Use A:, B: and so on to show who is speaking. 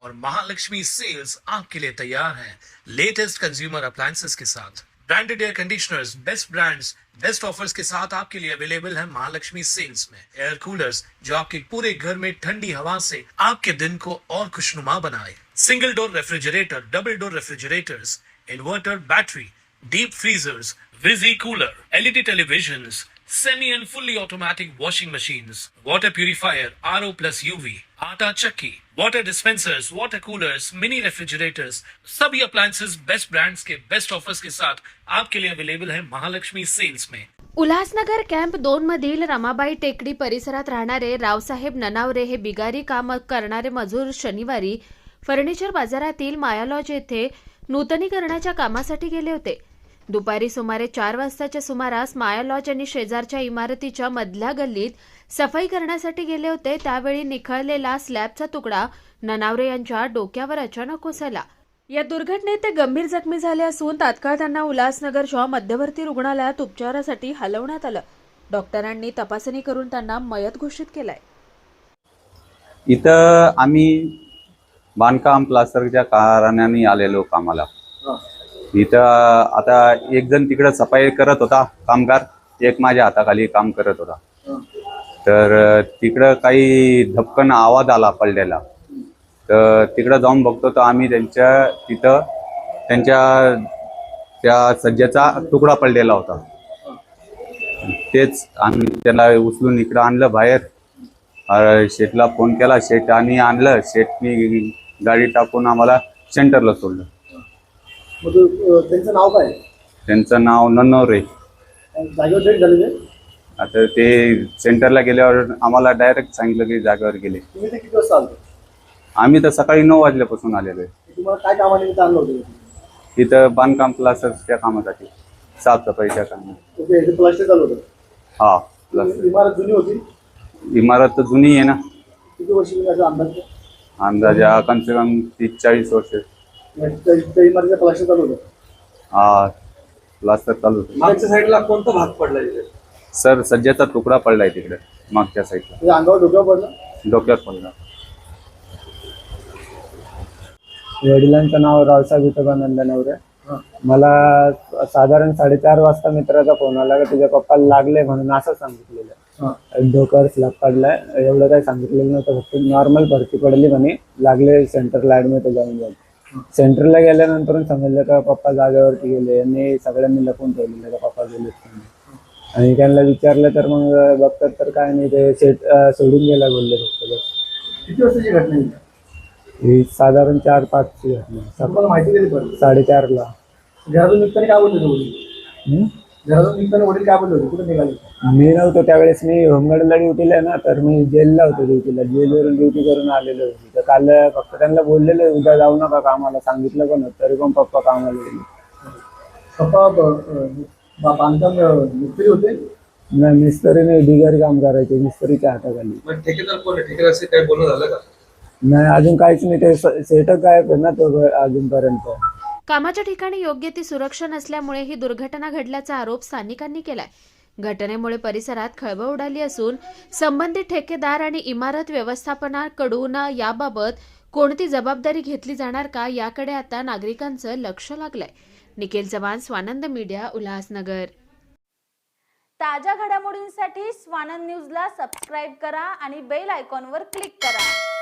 A: और महालक्ष्मी सेल्स आपके लिए तैयार है लेटेस्ट कंज्यूमर अप्लायंसेस के साथ। Branded air conditioners, best brands, best offers के साथ आपके लिए अवेलेबल है महालक्ष्मी सेल्स में। एयर कूलर्स जो आपके पूरे घर में ठंडी हवा से आपके दिन को और खुशनुमा बनाए। Single door refrigerator, double door refrigerators, inverter battery, deep freezers, विजी cooler, LED televisions, semi and fully automatic washing machines, water purifier, RO plus UV, आटा चक्की, water dispensers, water coolers, mini refrigerators, सभी अप्लायंसेस बेस्ट ब्रांड्स के best offers के साथ आपके लिए available है महालक्ष्मी सेल्स में।
B: उल्हासनगर कॅम्प 2 मधील रमाबाई टेकडी परिसरात राहणारे रावसाहेब ननावरे हे बिगारी काम करणारे मजूर शनिवारी फर्निचर बाजारातील माया लॉज येथे नूतनीकरणाच्या कामासाठी गेले होते। दुपारी सुमारे 4 वाजताच्या सुमारास माया लॉज आणि शेजारच्या इमारतीच्या मधल्या गल्लीत सफाई करण्यासाठी गेले होते। त्यावेळी निखळलेला स्लॅबचा तुकडा ननावरे यांच्या डोक्यावर अचानक कोसळला। या दुर्घटनेत ते गंभीर जखमी झाले असून तात्काळ त्यांना उल्हासनगरच्या मध्यवर्ती रुग्णालयात उपचारासाठी हलवण्यात आलं। डॉक्टरांनी तपासणी करून त्यांना मयत घोषित केलाय।
C: इथं आम्ही बांधकाम प्लास्टरच्या कारणाने आलेलो कामाला। इथं आता एक जण तिकडे सफाई करत होता कामगार, एक माझ्या हाताखाली काम करत होता। तर तिकडं काही धपकन आवाज आला पडलेला, तर तिकडं जाऊन बघतो तर आम्ही तिथं त्या सज्जेचा तुकडा पडलेला होता। तेच आम्ही त्याला उचलून इकडं आणलं बाहेर। शेठला फोन केला, शेठ आणि आणलं। शेठनी गाडी टाकून आम्हाला सेंटरला सोडलं।
D: त्यांचं नाव काय?
C: त्यांचं नाव ननवरे।
D: जागेवर डेट झालेले?
C: आता ते सेंटरला गेल्यावर आम्हाला डायरेक्ट सांगितलं की जागेवर गेले।
D: तुम्ही ते किती वाजता आले?
C: आम्ही तर सकाळी 9 वाजल्यापासून आलेलो आहे।
D: तुम्हाला काय कामानिमित्त आणलं होतं?
C: इथं बांधकाम प्लास्टरच्या कामासाठी, साफसफाईच्या कामासाठी।
D: ओके, हे प्लास्टर चालू होतं?
C: हा, प्लास्टर।
D: इमारत जुनी होती?
C: इमारत तर जुनी आहे ना।
D: किती वर्ष म्हणजे अंदाज?
C: अंदाजा कम से कम 30-40 वर्ष।
D: त्या इमारतीचं प्लास्टर चालू होतं?
C: हा, प्लास्टर चालू होतं।
D: मागच्या साईडला कोणता भाग पडला इथे?
C: सर, सज्जाचा तुकडा पडलाय तिकडे मागच्या साईडला।
D: म्हणजे अंगावर डोक्यावर पडला?
C: डोक्यावर पडला।
E: वडिलांचं नाव रावसाहेब विठोबानंद नवरे। मला साधारण 4:30 वाजता मित्राचा फोन आला की तुझ्या पप्पाला लागले म्हणून असं सांगितलेलं। डोक्यावर स्लॅब पडलाय, एवढं काही सांगितलेलं नव्हतं, फक्त नॉर्मल भरती पडली म्हणे, लागले सेंटरला ऍडमिट जाऊन जाऊन। सेंटरला गेल्यानंतर समजलं का पप्पा जागेवरती गेले आणि सगळ्यांनी लपून ठेवलेलं का पप्पा गेले। आणि त्यांना विचारलं तर मग बघतात तर काय नाही, ते सोडून गेला बोलले फक्त बस।
D: किती वाजताची घटना आहे?
E: ही साधारण 4-5ची घटना।
D: तुम्हाला माहिती कधी पडली?
E: 4:30ला।
D: घरातून निघताना काय बोलले वडील? घरातून निघताना वडील काय बोलले होते? कुठे निघाले?
E: मी नव्हतो त्यावेळेस, मी होमगार्डला ड्युटीला आहे ना, तर मी जेलला होतो ड्युटीला। जेलवरून ड्युटी करून आलेलो होतो। तर काल फक्त त्यांना बोललेलं उद्या जाऊ नका कामाला, सांगितलं पण होतं, तरी पण पप्पा कामाला गेले।
D: पप्पा बांधकाम मिस्त्री होते?
E: नाही, मिस्त्रीने बिगारी काम करायचे, मिस्त्रीच्या हाताखाली।
D: ठेकेदार कोण? ठेकेदार काही बोलणं झालं का?
E: नाही, अजून काहीच नाही, ते सेटअप काय ना तो अजूनपर्यंत।
B: कामाच्या ठिकाणी योग्य ती सुरक्षा नसल्यामुळे ही दुर्घटना घडल्याचा आरोप स्थानिकांनी केलाय। घटनेमुळे परिसरात खळबळ उडाली असून संबंधित ठेकेदार आणि इमारत व्यवस्थापनाकडून याबाबत कोणती जबाबदारी घेतली जाणार का याकडे आता नागरिकांचं लक्ष लागलंय। निखिल चव्हाण, स्वानंद मीडिया, उल्हासनगर।
F: ताज्या घडामोडींसाठी स्वानंद न्यूजला सबस्क्राईब करा आणि बेल आयकॉनवर क्लिक करा।